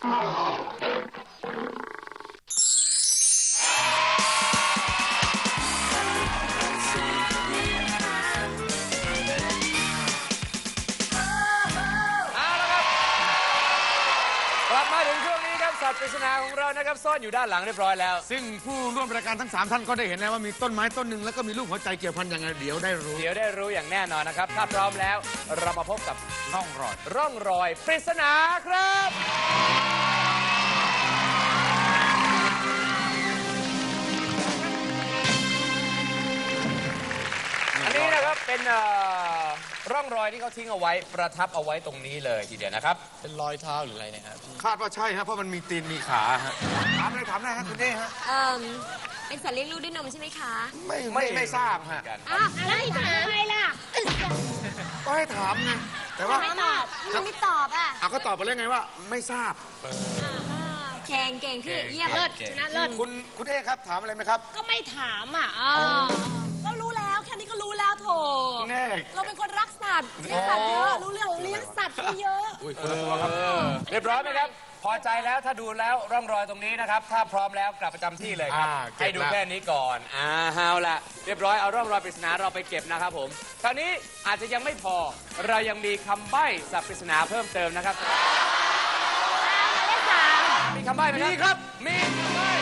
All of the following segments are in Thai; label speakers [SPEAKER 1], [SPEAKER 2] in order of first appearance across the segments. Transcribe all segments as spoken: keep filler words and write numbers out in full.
[SPEAKER 1] สัตว์ปริศนาของเรานะครับซ่อนอยู่ด้านหลังเรียบร้อยแล้ว
[SPEAKER 2] ซึ่งผู้ร่วมรายการทั้งสามท่านก็ได้เห็นแล้วว่ามีต้นไม้ต้นหนึ่งแล้วก็มีรูปหัวใจเกี่ยวพันยังไงเดี๋ยวได้รู้
[SPEAKER 1] เดี๋ยวได้รู้อย่างแน่นอนนะครับถ้าพร้อมแล้วเรามาพบกับ
[SPEAKER 2] ร่องรอย
[SPEAKER 1] ร่องรอยปริศนาครับอันนี้นะครับเป็นร่องรอยที่เขาทิ้งเอาไว้ประทับเอาไว้ตรงนี้เลยทีเดียวนะครับ
[SPEAKER 3] เป็นรอยเท้าหรืออะไรเนี่ยครับ
[SPEAKER 2] คาดว่าใช่ฮะเพราะมันมีตีนมีขาฮะถามเลยถามได้ฮะคุณเอ้ฮะ
[SPEAKER 4] เอ่อเป็นสัตว์เลี้ยงลูกด้วยนมใช่ไหมคะ
[SPEAKER 2] ไม่ไม่ไม่ทราบฮะ
[SPEAKER 4] อ้าวแล้วถามทำไมล่ะ
[SPEAKER 2] ก็ให้ถามไงแต่ว่า
[SPEAKER 4] ไม่ตอบมันไม่ตอบอ่ะ
[SPEAKER 2] อ่ะก็ตอบไปแล้วไงว่าไม่ทราบ
[SPEAKER 4] เก่งเก่งพี่เยี่ยมเลิศชนะเลิศ
[SPEAKER 2] คุณคุณเอ้ครับถามอะไรไหมครับ
[SPEAKER 4] ก็ไม่ถามอ่ะก็รู้แล้วแค่นี้ก็รู้แล้วโถเราเป็นคนรักสัตว์เลี้ยงสัตว์เยอะรู้เรื่องเลี้ยงสัตว์เยอะ
[SPEAKER 1] เรียบร้อยไหมครับพอใจแล้วถ้าดูแล้วร่องรอยตรงนี้นะครับถ้าพร้อมแล้วกลับประจำที่เลยครับให้ดูแค่นี้ก่อนอ่าเอาละเรียบร้อยเอาร่องรอยปริศนาเราไปเก็บนะครับผมคราวนี้อาจจะยังไม่พอเรายังมีคำใบ้สัตว์ปริศนาเพิ่มเติมนะครับมีคำใบ้ไหมครับมีครับมีคำใบ้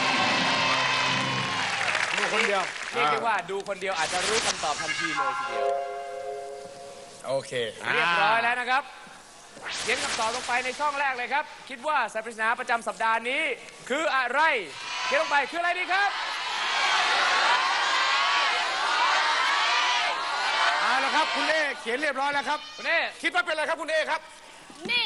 [SPEAKER 2] ดูคนเดียว
[SPEAKER 1] เรียกได้ว่าดูคนเดียวอาจจะรู้คำตอบทันทีเลยทีเดียว
[SPEAKER 2] โอเค
[SPEAKER 1] เรียบร้อยแล้วนะครับเขียนคำตอบลงไปในช่องแรกเลยครับคิดว่าสัตว์ปริศนาประจำสัปดาห์นี้คืออะไรเขียนลงไปคืออะไรดีครับ
[SPEAKER 2] เอาละครับคุณเอเขียนเรียบร้อยแล้วครับ
[SPEAKER 1] คุณเอ
[SPEAKER 2] คิดว่าเป็นอะไรครับคุณเอครับ
[SPEAKER 4] นี่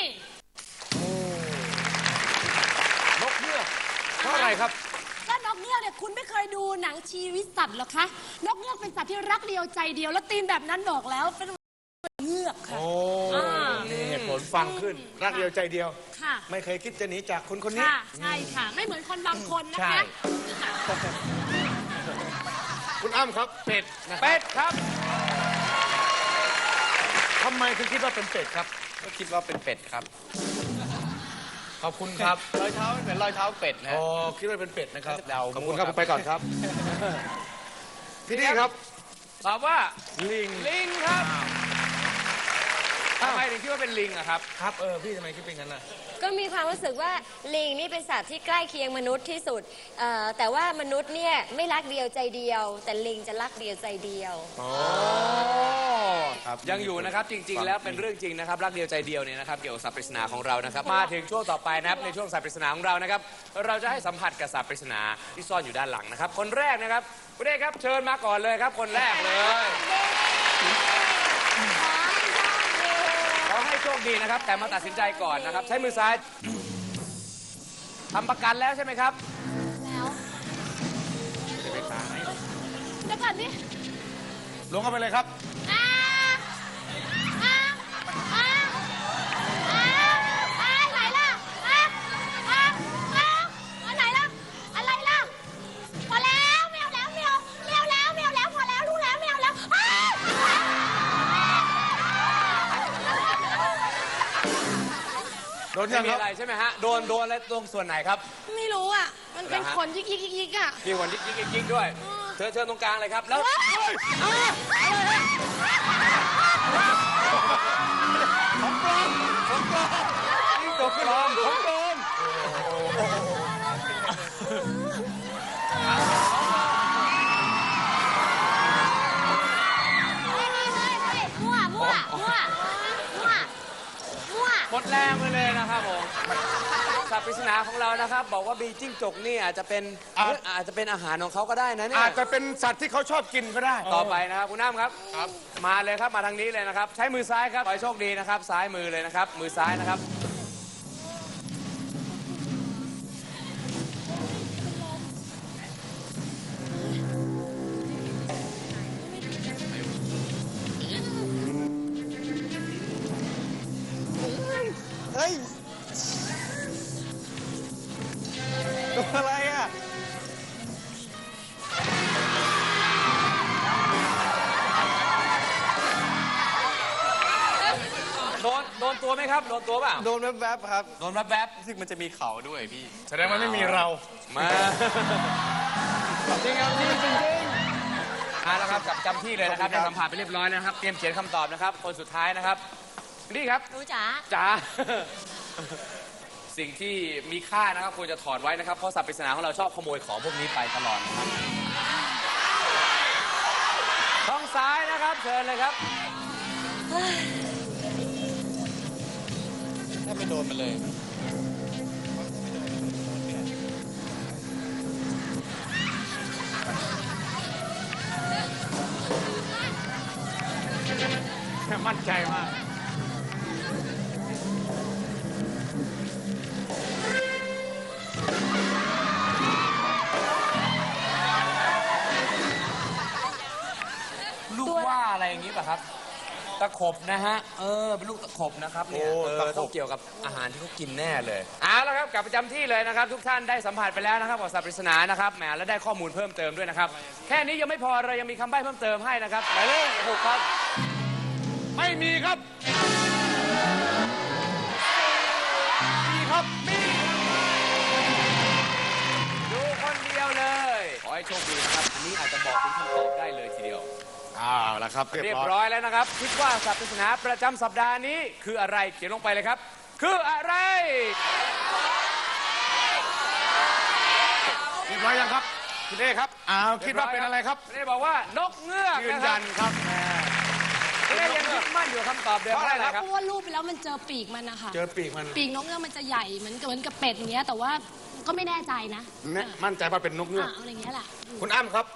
[SPEAKER 1] นกเงือกเพราะอะไรครับ
[SPEAKER 4] ก็นกเงือกเนี่ยคุณไม่เคยดูหนังชีวิตสัตว์หรอคะนกเงือกเป็นสัตว์ที่รักเดียวใจเดียวแล้วตีนแบบนั้นบอกแล้วเป็นเงือกค่ะ
[SPEAKER 2] โอ้นี่เหตุผลฟังขึ้นรักเดียวใจเดียว
[SPEAKER 4] ค่ะ
[SPEAKER 2] ไม่เคยคิดจะหนีจากคนคนนี้
[SPEAKER 4] ค่ะใช่ค่ะไม่เหมือนคนบางคนนะคะ
[SPEAKER 2] คุณอ้ำครับเป็ด
[SPEAKER 1] เป็ดครับ
[SPEAKER 2] ทำไมถึงคิดว่าเป็นเป็ดครับ
[SPEAKER 3] ก็คิดว่าเป็นเป็ดครับ
[SPEAKER 2] ขอบคุณครับ
[SPEAKER 3] รอยเท้าเหมือนรอยเท้าเป็ดนะ
[SPEAKER 2] อ๋อคิดว่าเป็นเป็ดนะครับขอบคุณครับผมไปก่อนครับพี่นี่ครับ
[SPEAKER 1] ตอบว่า
[SPEAKER 2] ลิง
[SPEAKER 1] ลิงครับทำไมถึงคิดว่าเป็นลิงอะครับ
[SPEAKER 2] ครับเออพี่ทำไมคิดเป็นงั้นน่ะ
[SPEAKER 4] ก็มีความรู้สึกว่าลิงนี่เป็นสัตว์ที่ใกล้เคียงมนุษย์ที่สุดแต่ว่ามนุษย์เนี่ยไม่รักเดียวใจเดียวแต่ลิงจะรักเดียวใจเดียว
[SPEAKER 1] อ๋อยังอยู่นะครับจริงๆแล้วเป็นเรื่องจริงนะครับรักเดียวใจเดียวเนี่ยนะครับเกี่ยวกับสัตว์ปริศนาของเรานะครับมาถึงช่วงต่อไปนะครับในช่วงสัตว์ปริศนาของเรานะครับเราจะให้สัมผัสกับสัตว์ปริศนาที่ซ่อนอยู่ด้านหลังนะครับคนแรกนะครับคุณเอกครับเชิญมาก่อนเลยครับคนแรกเลยขอให้โชคดีนะครับแต่มาตัดสินใจก่อนนะครับใช้มือซ้ายทำประกันแล้วใช่ไหมครับ
[SPEAKER 4] แล้ว
[SPEAKER 2] จะไปขาไหน
[SPEAKER 4] เดี๋ยวก่อนนี่
[SPEAKER 2] ลงเข้าไปเลยครับ
[SPEAKER 4] ไหนล่ะไหนล่ะอะไรล่ะพอแล้วไม่เอาแล้วไม่เอาไม่เอาแล้วไม่เอาแล้วพอแล้วรู้แล้วไม่เอาแล้ว
[SPEAKER 1] โดนยังอะไรใช่ไหมฮะโดนโดนแล้วตรงส่วนไหนครับ
[SPEAKER 4] ไม่รู้อ่ะมันเป็นขนยิกยิกยิกอ่ะ
[SPEAKER 1] มีขนยิกยิกยิกด้วยเชิญเชิญตรงกลางเลยครับแล้ว
[SPEAKER 2] ของปลอมของปลอมนี่ตัวปลอมของปลอม
[SPEAKER 4] มั่วมั่วมั่วมั่วมั่ว
[SPEAKER 1] หมดแรงไปเลยนะครับผมสัตว์ปริศนาของเรานะครับบอกว่าบีจิ้งจกนี่อาจจะเป็นอาจจะเป็นอาหารของเขาก็ได้นะเนี่ย
[SPEAKER 2] อาจจะเป็นสัตว์ที่เขาชอบกินก็ได้
[SPEAKER 1] ต่อไปนะครับคุณน้ำครับครับมาเลยครับมาทางนี้เลยนะครับใช้มือซ้ายครับขอให้โชคดีนะครับซ้ายมือเลยนะครับมือซ้ายนะครับ
[SPEAKER 3] เฮ้ยตัวอะไรอ่ะ
[SPEAKER 1] โดนโดนตัวไหมครับโดนตัวเปล่า
[SPEAKER 3] โดนแวบๆครับ
[SPEAKER 1] โดนแวบ
[SPEAKER 3] รู้สึกมันจะมีเขาด้วยพี่
[SPEAKER 2] แสดงว่าไม่มีเรา
[SPEAKER 1] ๆมา
[SPEAKER 3] จริงครับจริงจริง
[SPEAKER 1] เอาละครับจับจำที่เลยนะครับได้สัมผัสไปเรียบร้อยแล้วนะครับเตรียมเขียนคำตอบนะครับคนสุดท้ายนะครับนี่ครับ
[SPEAKER 4] หนูจ๋า
[SPEAKER 1] จ๋า สิ่งที่มีค่านะครับควรจะถอดไว้นะครับเพราะสัตว์ปริศนาของเราชอบขโมยของพวกนี้ไปตลอดนะครับท้องซ้ายนะครับเชิญเลยครับ
[SPEAKER 3] ถ้าไม่โดนมันเลย
[SPEAKER 2] มั่นใจมาก
[SPEAKER 1] ลูกว่าอะไรอย่างนี้ป่ะครับ ตะขบนะฮะ เออ เป็นลูกตะขบนะครับเนี่ย
[SPEAKER 2] โอ้
[SPEAKER 1] เอ
[SPEAKER 2] ตะ
[SPEAKER 1] อ
[SPEAKER 2] ขบ
[SPEAKER 1] ต้องเกี่ยวกับอาหารที่เขากินแน่เลย เอาละครับ กลับประจำที่เลยนะครับ ทุกท่านได้สัมผัสไปแล้วนะครับกับสัตว์ปริศนานะครับ แหม และได้ข้อมูลเพิ่มเติมด้วยนะครับ แค่นี้ยังไม่พอ เรายังมีคำใบ้เพิ่มเติมให้นะครับหมายเลขหกครับ
[SPEAKER 2] ไม่มีครับ มีครับ มี
[SPEAKER 1] ดูคนเดียวเลย ขอให้โชคดีนะครับ อันนี้อาจจะบอกเป็นคำตอบได้เลยทีเดียว
[SPEAKER 2] อ้าวแล้วครับ
[SPEAKER 1] เรี
[SPEAKER 2] เรี
[SPEAKER 1] ย
[SPEAKER 2] ย
[SPEAKER 1] บบ
[SPEAKER 2] ร้
[SPEAKER 1] ร้
[SPEAKER 2] อย
[SPEAKER 1] อยแล้วนะครับ คิดว่าสัตว์ปริศนาประจำสัปดาห์นี้ คืออะไรเขียนลงไปเลยครับ คืออะไร
[SPEAKER 2] เรียบร้อยยังครับคุณเอครับอ้าวคิดว่าเป็นอะไรครับ
[SPEAKER 1] ไม่ได้บอกว่านกเงือก
[SPEAKER 2] ยืน
[SPEAKER 1] นะค
[SPEAKER 2] ยั
[SPEAKER 1] รับ
[SPEAKER 2] นครับ
[SPEAKER 1] ไม่ได้ยังยึดมั่นอยู่กับคำตอบเดิม
[SPEAKER 2] เพราะอะไร
[SPEAKER 1] นะ
[SPEAKER 2] ค
[SPEAKER 1] ค
[SPEAKER 2] รั
[SPEAKER 1] รับ บ
[SPEAKER 5] เพราะว่ารูปไปแล้วมันเจอปีกมันนะคะ
[SPEAKER 2] เจอปีกมัน
[SPEAKER 5] ปีกนกเงือกมันจะใหญ่เหมือนกับเหมือนกับเป็ดอย่างเงี้ยแต่ว่าก็ไม่แน่ใจนะ
[SPEAKER 2] แน่มั่นใจว่าเป็นนกเงือก
[SPEAKER 5] อ่าเอาอย่างเงี้ยแหละ
[SPEAKER 2] คุณอ้ำครับ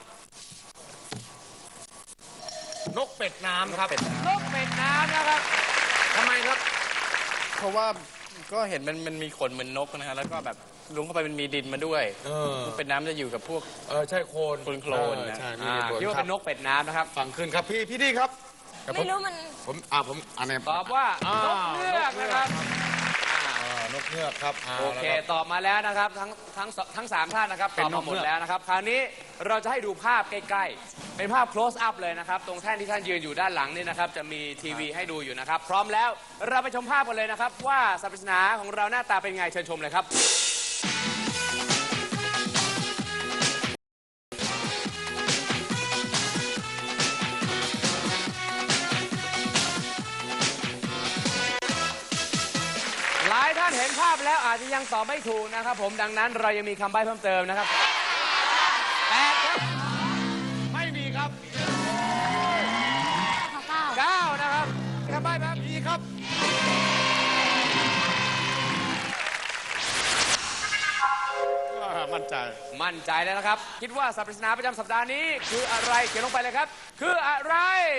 [SPEAKER 2] นกเป็ดน้ำครับ
[SPEAKER 1] นกเป็ดน้ำนะครับ
[SPEAKER 2] ทำไมครับ
[SPEAKER 3] เพราะว่าก็เห็นมันมันมีขนเหมือนนกนะฮะแล้วก็แบบลุงเข้าไปมันมีดินมาด้วย
[SPEAKER 2] เออ
[SPEAKER 3] เป็นน้ำจะอยู่กับพวก
[SPEAKER 2] เออใช่โคลน
[SPEAKER 3] โคลนโคลน
[SPEAKER 2] เออ
[SPEAKER 3] นะ
[SPEAKER 2] ใช่มี
[SPEAKER 1] อ่า
[SPEAKER 2] โคลน
[SPEAKER 1] คิดว่า
[SPEAKER 2] ครั
[SPEAKER 1] เป็
[SPEAKER 2] บ
[SPEAKER 1] นนกเป็ดน้ำนะครับ
[SPEAKER 2] ฟังขึ้นครับพี่พี่ดีครับแต่ผ
[SPEAKER 4] ไม่รู้มัน
[SPEAKER 2] ผมอ่าผมอันนี้
[SPEAKER 1] ตอบว่า
[SPEAKER 2] อ่าน
[SPEAKER 1] กเงือกนะครับ
[SPEAKER 2] อ่านกเงือกครับา
[SPEAKER 1] โอเค
[SPEAKER 2] แล้วรับ
[SPEAKER 1] ตอบมาแล้วนะครับ ทั้งทั้งสทั้งสามท่านนะครับ
[SPEAKER 2] เป็
[SPEAKER 1] ต
[SPEAKER 2] น
[SPEAKER 1] อบมาหมด
[SPEAKER 2] นกเงือก
[SPEAKER 1] แล้วนะครับ คราวนี้เราจะให้ดูภาพใกล้ๆ เป็นภาพ close up เลยนะครับ ตรงแท่นที่ท่านยืนอยู่ด้านหลังนี่นะครับ จะมีทีวีให้ดูอยู่นะครับ พร้อมแล้วเราไปชมภาพกันเลยนะครับ ว่าสัตว์ปริศนาของเราหน้าตาเป็นไงเชิญชมเลยครับ หลายท่านเห็นภาพแล้วอาจจะยังตอบไม่ถูกนะครับผมดังนั้นเรายังมีคำใบ้เพิ่มเติมนะครับแปดครับ
[SPEAKER 2] ไม่มีครับ
[SPEAKER 5] เก้า
[SPEAKER 1] เก้านะครับคำใบ้ครับ
[SPEAKER 2] มีครับอ่ามั่นใจ
[SPEAKER 1] มั่นใจแล้วนะครับ คิดว่าสัตว์ปริศนาประจำสัปดาห์นี้ คืออะไรเขียนลงไปเลยครับ คืออะไร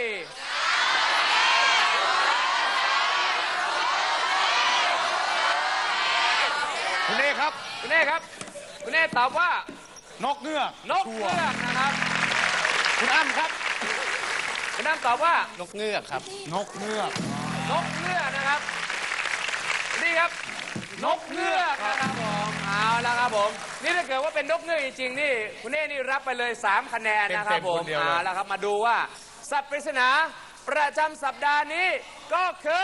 [SPEAKER 2] คุณเอครับ
[SPEAKER 1] คุณเน่ครับคุณเน่ตอบว่าน
[SPEAKER 2] กเงือก
[SPEAKER 1] นกเงือกนะครับ
[SPEAKER 2] คุณอ้ำครับ
[SPEAKER 1] คุณน้ำตอบว่า
[SPEAKER 3] นกเงือกครับ
[SPEAKER 2] นกเงือก
[SPEAKER 1] นกเงือกนะครับนี่ครับ นกเงือกนะครับผมเอาละครับผมนี่ถ้าเกิดว่าเป็นนกเงือกจริงๆนี่คุณเน่นี่รับไปเลยสามคะแนนนะครับผม
[SPEAKER 2] เต็มๆคนเดียวเลย
[SPEAKER 1] เอาละครับมาดูว่า สัตว์ปริศนาประจำสัปดาห์นี้ก็คือ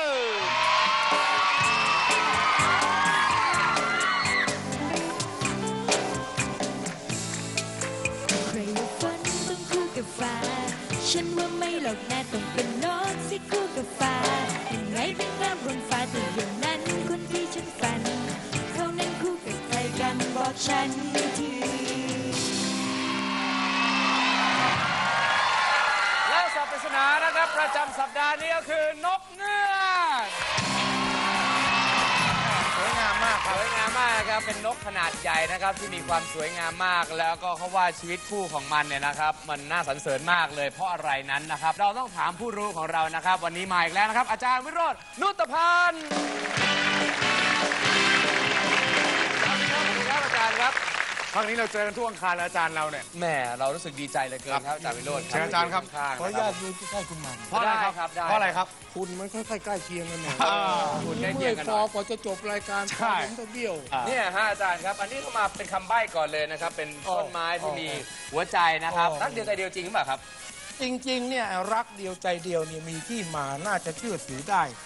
[SPEAKER 6] ใครว่าฝันต้องคู่กับฟ้า ฉันว่าไม่หรอกนะต้องเป็นนกสิคู่กับฟ้ายังไงเป็นน้ำบนฟ้าแต่อย่างนั้นคนที่ฉันฝัน เขานั้นคู่กับใครกันบอกฉันที
[SPEAKER 1] และสัตว์ปริศนานะครับประจำสัปดาห์นี้ก็คือนกเงือก
[SPEAKER 2] สวยงามมากค
[SPEAKER 1] ส
[SPEAKER 2] รับ
[SPEAKER 1] วยงามมากนะครับ เป็นนกขนาดใหญ่นะครับที่มีความสวยงามมาก แล้วก็เขาว่าชีวิตคู่ของมันเนี่ยนะครับ มันน่าสรรเสริญมากเลยเพราะอะไรนั้นนะครับ เราต้องถามผู้รู้ของเรานะครับ วันนี้มาอีกแล้วนะครับ อาจารย์วิโรจน์นุตพันธ์สวัสดีครับสวัสดีครับอาจารย์ครับ
[SPEAKER 2] ครั้งนี้เราเจอกันทุกอังคารแล้วอาจารย์เราเนี่ย
[SPEAKER 1] แหมเรารู้สึกดีใจเหลือเกินครับอาจารย์วิโรจน์
[SPEAKER 2] เชิญอาจารย์ครับ
[SPEAKER 1] ข้างๆ
[SPEAKER 7] ขออนุ
[SPEAKER 1] นะค
[SPEAKER 7] ญา
[SPEAKER 1] รั
[SPEAKER 7] ต
[SPEAKER 1] บ
[SPEAKER 7] ยืนใกล้ๆคุณหม่ำ
[SPEAKER 2] เพราะอะไรครับ
[SPEAKER 1] ได้ครับได้
[SPEAKER 2] เพราะอะไรครับ
[SPEAKER 7] คุณมันค่อยๆใกล้เคียงกันหน่อย
[SPEAKER 2] อ่า
[SPEAKER 1] คุณได้เคี
[SPEAKER 7] เมื่
[SPEAKER 1] ย
[SPEAKER 7] อง ย
[SPEAKER 1] กัน
[SPEAKER 7] ค
[SPEAKER 1] หน่
[SPEAKER 7] อ
[SPEAKER 1] อย
[SPEAKER 7] กว่าจะจบรายการ
[SPEAKER 2] ใช่
[SPEAKER 7] ผมจะเบี้ยว
[SPEAKER 1] เนี่ยฮะอาจารย์ครับ อันนี้เข้ามาเป็นคำใบ้ก่อนเลยนะครับ เป็นต้นไม้ที่มีหัวใจนะครับ
[SPEAKER 7] อ๋อ
[SPEAKER 1] รักเดียวใจเดียวจริงหรือเปล่าครับ
[SPEAKER 7] จริงๆเนี่ยรักเดียวใจเดียวเนี่ยมีที่มาน่าจะเชื่อถือได้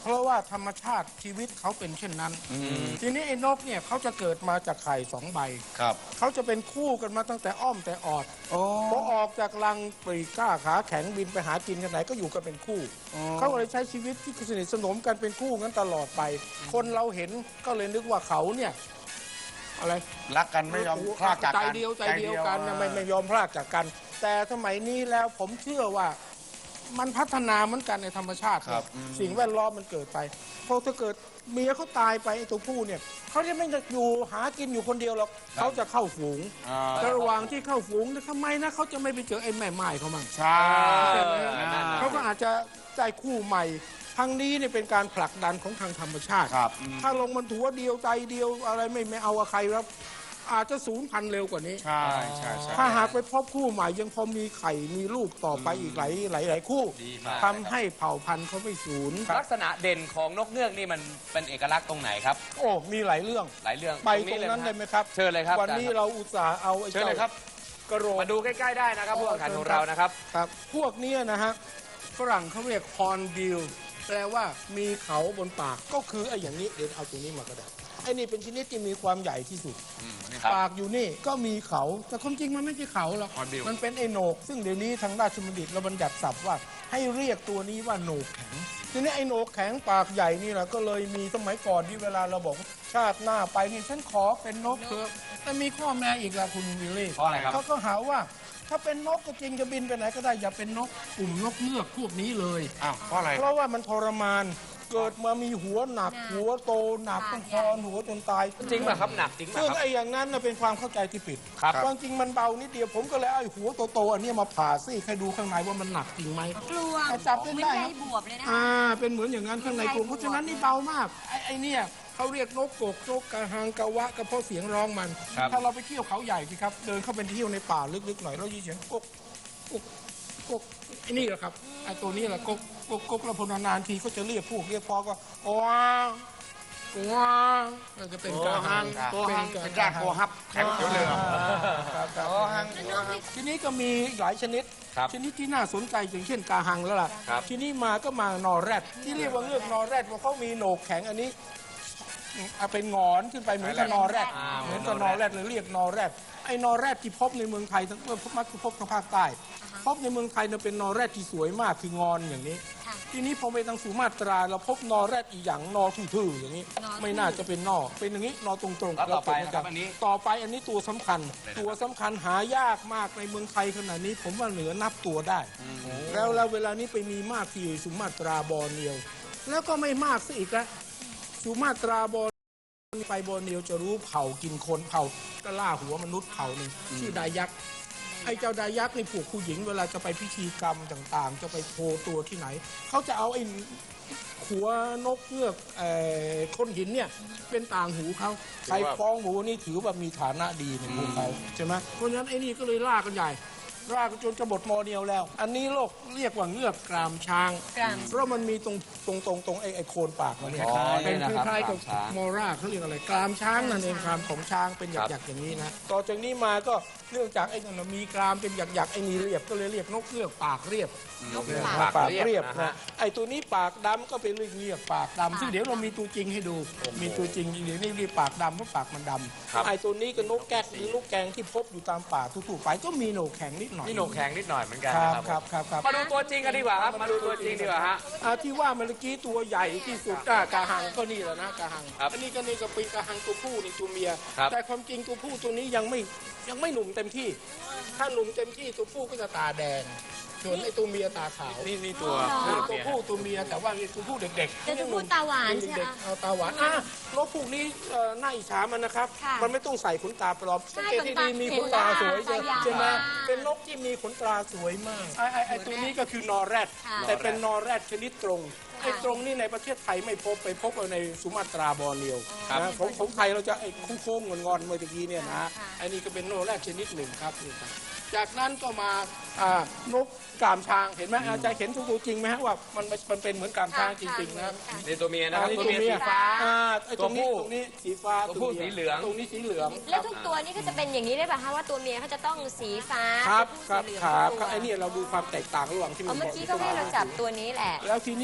[SPEAKER 7] เพราะว่าธรรมชาติชีวิตเขาเป็นเช่นนั้น ทีนี้ไอ้นกเนี่ยเขาจะเกิดมาจากไข่สองใบ
[SPEAKER 2] ครับ
[SPEAKER 7] เขาจะเป็นคู่กันมาตั้งแต่อ้อมแต่ออดพอออกจากรังปรีกล้าขาแข็งบินไปหากินกันไหนก็อยู่กันเป็นคู่ เขาก็เลยใช้ชีวิตที่สนิทสนมกันเป็นคู่งั้นตลอดไป คนเราเห็นก็เลยนึกว่าเขาเนี่ยอะไร
[SPEAKER 2] รักกันไม่ยอมพลากจาก
[SPEAKER 7] ใจ
[SPEAKER 2] กัน
[SPEAKER 7] เดียวใจเดียวกันนะไม่ไม่ยอมพลากจากกัน แต่สมัยนี้แล้วผมเชื่อว่ามันพัฒนาเหมือนกันในธรรมชาติ
[SPEAKER 2] ครับ
[SPEAKER 7] สิ่งแวดล้อมมันเกิดไปพอถ้าเกิดเมียเขาตายไปไอ้ตัวผู้เนี่ยเขาจะไม่อยู่หากินอยู่คนเดียวหรอกเขาจะเข้าฝูง
[SPEAKER 2] อ่า
[SPEAKER 7] แต่ระหว่างที่เข้าฝูงเนี่ยทำไมนะเขาจะไม่ไปเจอไอ้แม่ไม้เขามั่ง
[SPEAKER 2] ใช่
[SPEAKER 7] ใช่ไหม
[SPEAKER 2] นั่นน่ะ
[SPEAKER 7] เขาก็อาจจะได้คู่ใหม่ทางนี้เนี่ยเป็นการผลักดันของทางธรรมชาติ
[SPEAKER 2] ครับ
[SPEAKER 7] ถ้าลงมันถัวเดียวใจเดียวอะไรไม่ไม่เอากับใครแล้วอาจจะสูญพันธุ์เร็วกว่านี้
[SPEAKER 2] ใช่ใช่ใช่
[SPEAKER 7] ถ้าหากไปพบคู่ใหม่ยังพอมีไข่มีลูกต่อไปอีกหลายหลายหลายคู่
[SPEAKER 1] ดีมาก
[SPEAKER 7] ทำให้เผ่าพันธุ์เขาไม่สูญ
[SPEAKER 1] ลักษณะเด่นของนกเงือกนี่มันเป็นเอกลักษณ์ตรงไหนครับ
[SPEAKER 7] โอ้มีหลายเรื่อง
[SPEAKER 1] หลายเรื่อง
[SPEAKER 7] ไปตรงนั้นเลยไหมครับ
[SPEAKER 1] เชิญเลยครับ
[SPEAKER 7] วันนี้เราอุตส่าห์เอาไอ้
[SPEAKER 1] เชิญ
[SPEAKER 7] เจ้า
[SPEAKER 1] เลยครับ
[SPEAKER 7] กระโหลก
[SPEAKER 1] มาดูใกล้ๆได้นะครับผู้แข่งขันของเรานะครับ
[SPEAKER 7] ครับพวกเนี้ยนะฮะฝรั่งเขาเรียกฮอร์นบิลแปลว่ามีเขาบนปากก็คือไอ้อย่างนี้เดี๋ยวเอาตัวนี้มาก็ได้ไอ้นี่เป็นชนิดที่มีความใหญ่ที่สุด
[SPEAKER 1] ครับ
[SPEAKER 7] ปากอยู่นี่ก็มีเขาแต่ความจริงมันไม่ใช่เขาหรอก
[SPEAKER 2] Hornbill
[SPEAKER 7] มันเป็นไอ้โหนก ซึ่งเดี๋ยวนี้ทางราชบัณฑิตเราบัญญัติศัพท์ว่าให้เรียกตัวนี้ว่าโหนกแข็งทีนี้ไอ้โหนกแข็งปากใหญ่นี่แหละก็เลยมีสมัยก่อนที่เวลาเราบอกว่าชาติหน้าไปนี่ฉันขอเป็นนกเถอะแต่มีข้อแม้อีกละคุณวิลลี่
[SPEAKER 1] เพราะอะไรครับ
[SPEAKER 7] เขาก็หาว่าถ้าเป็นนกก็จริงจะบินไปไหนก็ได้อย่าเป็นนกกลุ่มนกเงือกพวกนี้เลย
[SPEAKER 2] อ้าวเพราะอะไร
[SPEAKER 7] เพราะว่ามันทรมานเกิดมามีหัวหนักหัวโตหนักต้องคอนหัวจนตาย
[SPEAKER 1] จริงป่ะครับหนักจริงป่ะ
[SPEAKER 7] ซึ่ง
[SPEAKER 1] ครับ
[SPEAKER 7] ไอ้อย่างนั้นน่ะเป็นความเข้าใจที่ผิด
[SPEAKER 1] ครับ
[SPEAKER 7] ความจริงมันเบานิดเดียวผมก็เลยเอาไอ้หัวโตๆอันเนี้ยมาผ่าซี่ให้ดูข้างในว่ามันหนักจริงไหม
[SPEAKER 4] กลวง
[SPEAKER 7] แต่จับ
[SPEAKER 4] เห
[SPEAKER 7] ไม่
[SPEAKER 4] มือน
[SPEAKER 7] ได้
[SPEAKER 4] ใย
[SPEAKER 7] ครับ
[SPEAKER 4] บวบเลยนะ
[SPEAKER 7] อ่าเป็นเหมือนอย่างนั้นข้างในกลุ่มเพราะฉะนั้นนี่เบามากไอ้ไอ้เนี่ยเขาเรียกนกกกนกกระหังกะวะก็เพราะเสียงร้องมัน
[SPEAKER 1] ครับ
[SPEAKER 7] ถ้าเราไปเที่ยวเขาใหญ่สิครับเดินเข้าไปเที่ยวในป่าลึกๆหน่อยเราจะเสียงกกกกกกไอ้นี่แหละครับไอ้ตัวนี้แหละกกกกกกแล้วพอนานๆทีก็จะเรียกพวกเรียกพอก็ว้าวว้าวมันจะเป็นกระหัง
[SPEAKER 2] ตัวหัง
[SPEAKER 7] กระ
[SPEAKER 2] เป็นรากตัวฮับแข็งเขียวเหลือง
[SPEAKER 7] ครับครับ
[SPEAKER 2] ตัวหัง
[SPEAKER 7] ทีนี้ก็มีหลายชนิด
[SPEAKER 1] ครับ
[SPEAKER 7] ชนิดที่น่าสนใจอย่างเช่นกาหังแล้วล่ะ
[SPEAKER 1] ครับ
[SPEAKER 7] ทีนี้มาก็มานอแรดที่เรียกว่าเงือกนอแรดเพราะเขามีโหนกแข็งอันนี้เอาเป็นหงอนขึ้นไปเหมือนกับนอแรด
[SPEAKER 1] อ่า
[SPEAKER 7] เหมือนกับนอแรดเลยเรียกนอแรดไอ้นอแรดที่พบในเมืองไทยทั้งมักจะพบทางภาคใต้พบในเมืองไทยเนี่ยเป็นนอแรดที่สวยมากคืองอนอย่างนี้ ทีนี้พอไปทางสุมาตราเราพบนอแรดอีกอย่างนอทื่อๆอย่างนี้ ไม่น่าจะเป็นนอเป็นอย่างนี้นอตรงๆ
[SPEAKER 1] แล้วต่อไป
[SPEAKER 7] เา
[SPEAKER 1] นะครับอันนี้
[SPEAKER 7] ต่อไปอันนี้ตัวสำคัญ ตัวสำคัญหายากมากในเมืองไทยขนาดนี้ ผมว่าเหลือนับตัวได้ แล้วแล้วเวลานี้ไปมีมากที่สุมาตราบอร์เนียว แล้วก็ไม่มากซะอีกแล้วสุมาตราบอร์ไปบอร์เนียวจะรู้เผ่ากินคนเผ่าก็ล่าหัวมนุษย์เผ่าหนึ่งชื่อดายักษ์ไอ้เจ้าดายักษ์ในผูกผู้หญิงเวลาจะไปพิธีกรรมต่างๆ จะไปโชว์ตัวที่ไหน เขาจะเอาไอ้หัวนกเงือกเอ่อก้นหินเนี่ยเป็นต่างหูเขาใครฟ้องหมูนี่ถือว่ามีฐานะดีในพวกเขาใช่ไหมเพราะฉะนั้นไอ้นี่ก็เลยล่ากันใหญ่ล่ากันจนจะหมดมอเดียวแล้ว อันนี้โลกเรียกว่าเงือกกรามช้าง
[SPEAKER 4] กราม
[SPEAKER 7] เพราะมันมีตรงตรงตรงตรงไอ้ไอ้โคนปากมันเนี่ย
[SPEAKER 1] อ๋อ
[SPEAKER 7] เป็น
[SPEAKER 1] นี่นะครับ
[SPEAKER 7] คล้ายๆกับ
[SPEAKER 1] กรามช้าง
[SPEAKER 7] มอราเขาเรียกอะไรกรามช้างนั่นเองกรามของช้างเป็นหยักๆอย่างนี้นะต่อจากนี้มาก็เนื่องจากไอ้นั่นนะมีกรามเป็นหยักๆไอ้นี่เรียบก็เลยเรียกนกเงือกปากเรียบ
[SPEAKER 1] นกเงือก
[SPEAKER 7] ปา
[SPEAKER 1] ปาก ก
[SPEAKER 7] เรี
[SPEAKER 1] เรี
[SPEAKER 7] ย
[SPEAKER 1] ย
[SPEAKER 7] บบ
[SPEAKER 1] นะ
[SPEAKER 7] นะ
[SPEAKER 1] ฮะ
[SPEAKER 7] ไอ้ตัวนี้ปากดำก็เป็นเรียกเรียกปากดำซึ่งเดี๋ยวเรามีตัวจริงให้ดู มีตัวจริงเดี๋ยวนี้เรียกปากดำเพราะปากมันด
[SPEAKER 1] ครับ
[SPEAKER 7] ำไอ้ตัวนี้ก็นกแก๊กหรือลูกแกงที่พบอยู่ตามป่าทั่วๆไปก็มีโหนกแข็งนิดหน่อย
[SPEAKER 1] นี่โหนกแข็งนิดหน่อยเหมือนกัน
[SPEAKER 7] ครับ
[SPEAKER 1] นะครับ
[SPEAKER 7] ครับครับครับ
[SPEAKER 1] มาดูตัวจริงกันดีกว่าครับ มาดูตัวจริงดีกว่าฮะ
[SPEAKER 7] อ่าที่ว่าเมื่อกี้ตัวใหญ่ที่สุดอ่ะกาหังก็นี่แหละนะกาหัง
[SPEAKER 1] ครับ
[SPEAKER 7] อันนี้ก็นี่ก็เป็นกาหังตัวผู้นี่ตัวเมีย
[SPEAKER 1] ครับ
[SPEAKER 7] แต่ความจริงตัวผู้ตัวนี้ยังไม่ยังไม่หนุ่มเต็มที่ ถ้าหนุ่มเต็มที่ตัวผู้ก็จะตาแดงส่วนไอ้ตัวเมียตาขาว
[SPEAKER 2] นี่นี่ตัว
[SPEAKER 7] นี่ตัวผู้ตัวเมียแต่ว่านี่ตัวผู้เด็กๆ
[SPEAKER 4] แต่ตัวผู้ตาหวานใช่ไหม
[SPEAKER 7] เด็กๆเอาตาหวานอ่ะนกพวกนี้เอ่อน่าอิจฉามันนะครับ
[SPEAKER 4] ค่ะ
[SPEAKER 7] มันไม่ต้องใส่ขนตาปลอม
[SPEAKER 4] ใช่
[SPEAKER 7] สังเกตที่ดีมีขนตาสวย
[SPEAKER 4] ขนตา
[SPEAKER 7] ใช่ไหม
[SPEAKER 4] ยาว
[SPEAKER 7] เป็นนกที่มีขนตาสวยมากไอ้ไอ้ไอ้ตัวนี้ก็คือนอแรด
[SPEAKER 4] ค่ะ
[SPEAKER 7] แต่เป็นนอแรดชนิดตรงไอ้ตรงนี่ในประเทศไทยไม่พบไปพบเอาในสุมาตราบอร์เนียวนะของของไทยเราจะไอ้โค้งๆงอนๆเมื่อกี้เนี่ยนะไอ้นี่ก็เป็นนอแรดชนิดหนึ่งครับนี่ครับจากนั้นก็มาอ่านกกามช้างเห็นไหมอาจารย์เห็นตัวจริงไหมฮะว่ามันมันเป็นเหมือนกามช้างจริงๆนะครับ
[SPEAKER 1] นี่ตัวเมียนะครับ
[SPEAKER 7] อันนี้
[SPEAKER 1] ตัวเมียสีฟ้า
[SPEAKER 7] อ่าไอ้ตรงนี้
[SPEAKER 1] ตัวผู้
[SPEAKER 7] ตรงนี้สีฟ้า
[SPEAKER 1] ตัวผู้
[SPEAKER 7] มีย
[SPEAKER 1] สีเหลือง
[SPEAKER 7] ตรงนี้สีเหลือง
[SPEAKER 4] แล้วทุกตัวนี่ก็จะเป็นอย่างนี้ได้ป่ะคะว่าตัวเมียเขาจะต้องสีฟ้า
[SPEAKER 7] ครับค
[SPEAKER 4] ตั
[SPEAKER 7] รั
[SPEAKER 4] ว
[SPEAKER 7] บ
[SPEAKER 4] ผู้สีเหลือง
[SPEAKER 7] ครับ
[SPEAKER 4] ทุก
[SPEAKER 7] ครับ
[SPEAKER 4] ตัว
[SPEAKER 7] ไอ้นี่เราดูความแตกต่างระหว่างที่
[SPEAKER 4] เอาเมื่อกี้ก็ให้เราจับตัวนี้แหละ
[SPEAKER 7] แล้วทีนี้ก็มา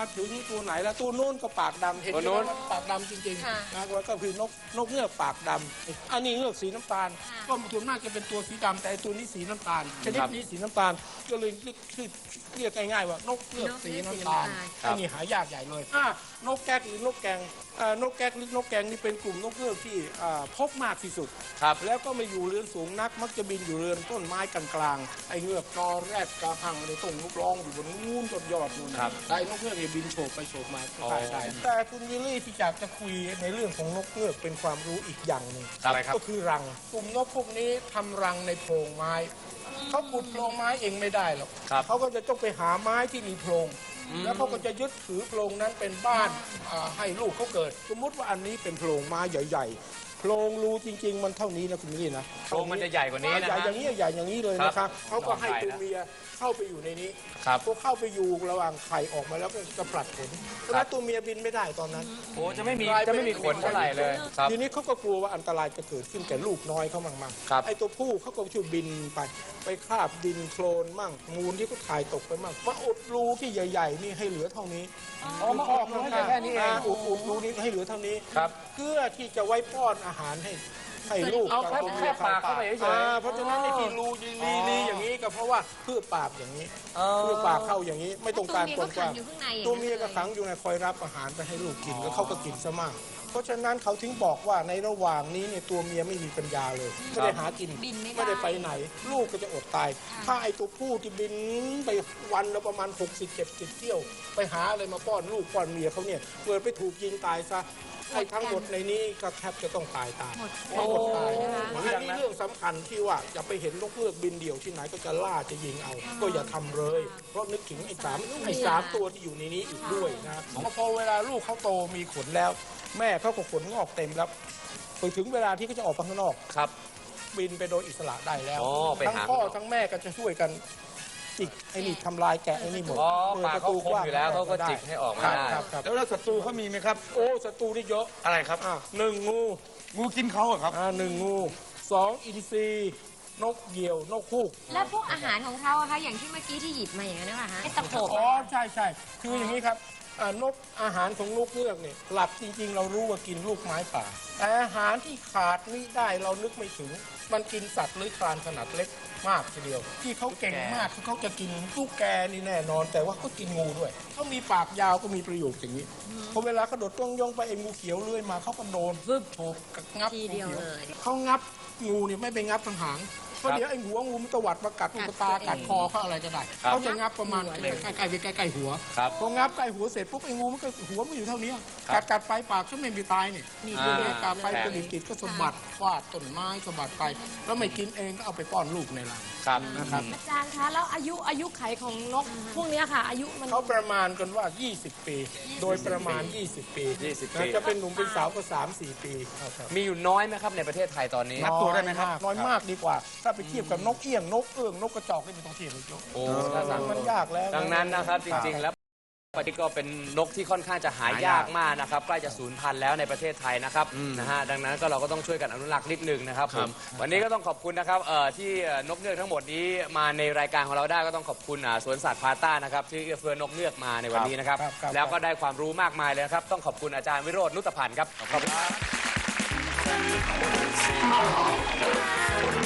[SPEAKER 7] ถึงตัวไหนแล้วตัวโน้นก็ปากดำเห็นไหม
[SPEAKER 1] ตัวโน้น
[SPEAKER 7] ว่าปากดำจริง
[SPEAKER 4] ค่ะ
[SPEAKER 7] ๆนะก็คือนกนกเงือกปากดำอันนี้เงือกสีน้ำตาล
[SPEAKER 4] ค่ะ
[SPEAKER 7] ก็ส่วนมากจะเป็นตัวสีดำแต่ไอ้ตัวนี้สีน้ำตาลชนิดนี้สีน้ำตาลก็เลยเรียกชื่อเรียกง่ายๆว่านกเงือกสีน้ำตาล
[SPEAKER 1] ครับ
[SPEAKER 7] อันนี้หายากใหญ่เลยอ่ะนกแก๊กหรือนกแกงอ่านกแก๊กหรือนกแกงนี่เป็นกลุ่มนกเงือกที่อ่าพบมากที่สุด
[SPEAKER 1] ครับ
[SPEAKER 7] แล้วก็ไม่อยู่เรือนสูงนักมักจะบินอยู่เรือนต้นไม้กลางๆไอ้เงือกจอแรดกระหังในต้นลูกร้องอยู่บนนู้นต้นยอดนู่น
[SPEAKER 1] ครับ
[SPEAKER 7] ไอ้นกเงือกเนี่ยบินโฉบไปโฉบมา
[SPEAKER 1] อ๋อ
[SPEAKER 7] ได้ได้แต่คุณวิลลี่ที่อยากจะคุยในเรื่องของนกเงือกเป็นความรู้อีกอย่างหนึ่ง
[SPEAKER 1] อะไรครับ
[SPEAKER 7] ก็คือรังกลุ่มนกพวกนี้ทำรังในโพรงไม้เขาขุดโพรงไม้เองไม่ได้หรอก
[SPEAKER 1] ครับ
[SPEAKER 7] เขาก็จะต้องไปหาไม้ที่มีโพรงแล้วเขาก็จะยึดถือโพรงนั้นเป็นบ้านอ่าให้ลูกเขาเกิด สมมุติว่าอันนี้เป็นโพรงไม้ใหญ่ๆโพรงรูจริง ๆ มันเท่านี้นะคุณวิลลี่นะ
[SPEAKER 1] โพรงมันจะใหญ่กว่านี้นะ
[SPEAKER 7] ใหญ่
[SPEAKER 1] ฮะ
[SPEAKER 7] อย่างนี้ใหญ่อย่างนี้เลยนะครับเขาก็ให้
[SPEAKER 1] ลองใส่
[SPEAKER 7] ตัว
[SPEAKER 1] นะ
[SPEAKER 7] เมียเข้าไปอยู่ในนี้
[SPEAKER 1] ครับ
[SPEAKER 7] พวกเข้าไปอยู่ระหว่างไข่ออกมาแล้วก็จะผลัดขนเพราะฉะนั้นตัวเมียบินไม่ได้ตอนนั้น
[SPEAKER 1] โอ้จะไม่มีจะไม่มีขนเท่าไหร่เลยครับ
[SPEAKER 7] ทีนี้เขาก็กลัวว่าอันตรายจะเกิดขึ้นแก่ลูกน้อยเขามั่งมั่ง
[SPEAKER 1] ครับ
[SPEAKER 7] ไอ้ตัวผู้เขาก็ช่วยบินไป ไปคราบดินโคลนมั่งมูลที่เขาถ่ายตกไปมั่งมาอุดรูที่ใหญ่ ๆ นี่ให้เหลือเท่านี้
[SPEAKER 1] อ๋อมาออกรูให้เหลือแค่นี้เอง
[SPEAKER 7] าอุดอุดรูนี้ให้เหลือเท่านี้
[SPEAKER 1] ครับ
[SPEAKER 7] เพื่อที่จะไว้ป้อนอาหารให้ให้ลูก
[SPEAKER 1] เอาแค่
[SPEAKER 7] กับตัว
[SPEAKER 1] แค่
[SPEAKER 7] มีย
[SPEAKER 1] ปากเข้าไปเฉยๆ
[SPEAKER 7] อ่าเพราะฉะนั้นไอ้ที่รูลีลีอย่างนี้ก็เพราะว่าเพื่อปากอย่างนี้เพื่อปากเข้าอย่างนี้ไม่ต้องการ
[SPEAKER 4] ตัวเมียก็ขั
[SPEAKER 7] กว้าง
[SPEAKER 4] งอยู่ข้างในอย่างนั้น
[SPEAKER 7] ตัวเมียก็ขังอยู่ในคอยรับอาหารไปให้ลูกกินแล้วเขาก็กินซะมาก เพราะฉะนั้นเขาถึงบอกว่าในระหว่างนี้เนี่ยตัวเมียไม่มีปัญญาเลยไม่ได้หากิน
[SPEAKER 4] บินไม่ได้
[SPEAKER 7] ไม่ได้ไปไหน ลูกก็จะอดตาย ถ้าไอ้ตัวผู้ที่บินไปวันละประมาณ หกสิบ เจ็ดสิบ เที่ยว ไปหาอะไรมาป้อนลูกป้อนเมียเขาเนี่ยเกิดไปถูกยิงตายซะไอ้ทั้งหมดในนี้ก็แทบจะต้องตายตามหมดตายอันนี้เรื่องสำคัญที่ว่าอย่าไปเห็นนกเงือกบินเดี่ยวที่ไหนก็จะล่าจะยิงเอา ก็อย่าทำเลย เพราะนึกถึงไอ้สามไอ้สามตัวที่อยู่ในนี้อีกด้วยนะพอเวลาลูกเขาโตมีขนแล้ว แม่เขาก็ขนงอกเต็มแล้วไปถึงเวลาที่เขาจะออกไปข้างนอก
[SPEAKER 1] ครับ
[SPEAKER 7] บินไปโดยอิสระได้แล้ว
[SPEAKER 1] อ๋อไป
[SPEAKER 7] ทั้ง
[SPEAKER 1] หา
[SPEAKER 7] พ่อทั้งแม่ก็จะช่วยกันจิกไอ้นี่ทำลายแกะไอ้นี่หมด
[SPEAKER 1] อ๋อ
[SPEAKER 7] ปิด
[SPEAKER 1] ปากเขาคมอยู่แล้วเขาก็จิกให้ออกมาได้
[SPEAKER 7] ครับครับ
[SPEAKER 2] แล้วแล้วศัตรูเขามีไหมครับ
[SPEAKER 7] โอ้ศัตรูนี่เยอะ
[SPEAKER 2] อะไรครับ
[SPEAKER 7] อ่ะหนึ่งงู
[SPEAKER 2] งูกินเขาเหรอครับ
[SPEAKER 7] อ่าหนึ่งงูสองอินทรีนกเหยี่ยวนกฮูก
[SPEAKER 4] แล้วพวกอาหารของเขาอะคะอย่างที่เมื่อกี้ที่หยิบมาอย่างนั้นนะคะไอ้ตะโขบ
[SPEAKER 7] อ๋อใช่ใช่คืออย่างนี้ครับอ่านกอาหารของนกเงือกเนี่ยหลับจริง ๆ เรารู้ว่ากินลูกไม้ป่า แต่อาหารที่ขาดไม่ได้เรานึกไม่ถึง มันกินสัตว์เลื้อยคลานขนาดเล็กมากทีเดียว ที่เขาเก่งมากคือเขาจะกินลูกแกนี่แน่นอน แต่ว่าเขากินงูด้วยเขามีปากยาวก็มีประโยชน์อย่างนี้พอเวลากระโดดต้งยองไปไอ้งูเขียวเลื้อยมาเขาก็โดนฟึบโฉบงับ
[SPEAKER 4] ทีเดียวเลย
[SPEAKER 7] เขางับงูเนี่ยไม่ไปงับทางหางเพราะเดี๋ยวไอ้หัวงูมันตวัดมากัดลูกตากัดคอเขาอะไรก็ได้เขาจะงับประมาณใกล้ๆใกล้ๆใกล้ๆหัว
[SPEAKER 1] ครับ
[SPEAKER 7] พองับใกล้หัวเสร็จปุ๊บไอ้งูมันก็หัวมันอยู่เท่านี้กัดกัดไปปากก็ไม่มีตายนี่นี่ตัวเนี้ยกัดไปกระดิ่งติดก็สะบัดฟาดต้นไม้สะบัดไป แล้วไม่กินเองก็เอาไปป้อนลูกในรัง
[SPEAKER 1] ครับ
[SPEAKER 7] นะครับ
[SPEAKER 5] อาจารย์คะแล้วอายุอายุไขของนกพวกเนี้ยค่ะ อายุมัน
[SPEAKER 7] เขาประมาณกันว่า ยี่สิบ ปี โดยประมาณ ยี่สิบ ปี
[SPEAKER 1] ยี่สิบ
[SPEAKER 7] นะ
[SPEAKER 1] ปี
[SPEAKER 7] จะเป็นหนุ่มเป็นสาวก็ สามสี่ ปีครับ
[SPEAKER 1] มีอยู่น้อยไหมครับในประเทศไทยตอนนี้
[SPEAKER 2] นับตัวได้ไหมครับ
[SPEAKER 7] น้อยมากดีกว่า ถ้าไปเทียบกับนกเอี้ยงนกเอื้องนกกระจอกนี่ไม่ต้องเทียบเลยโจ้
[SPEAKER 1] โอ้ถ้าสั่ง
[SPEAKER 7] มันยากแล้ว
[SPEAKER 1] ดังนั้นนะครับจริงๆแล้วปฏิก็เป็นนกที่ค่อนข้างจะหายากมากนะครับใกล้จะสูญพันธุ์แล้วในประเทศไทยนะครับนะฮะดังนั้นก็เราก็ต้องช่วยกันอนุรักษ์นิดนึงนะครับผมวันนี้ก็ต้องขอบคุณนะครับเอ่อที่เอ่อนกเงือกทั้งหมดนี้มาในรายการของเราได้ก็ต้องขอบคุณอ่าสวนสัตว์พาต้านะครับที่เอื้อเฟื้อนกเงือกมาในวันนี้นะครับแล้วก็ได้ความรู้มากมายเลยนะครับต้องขอบคุณอาจารย์วิโรจน์นุตพันธ์ครับขอบคุณครับ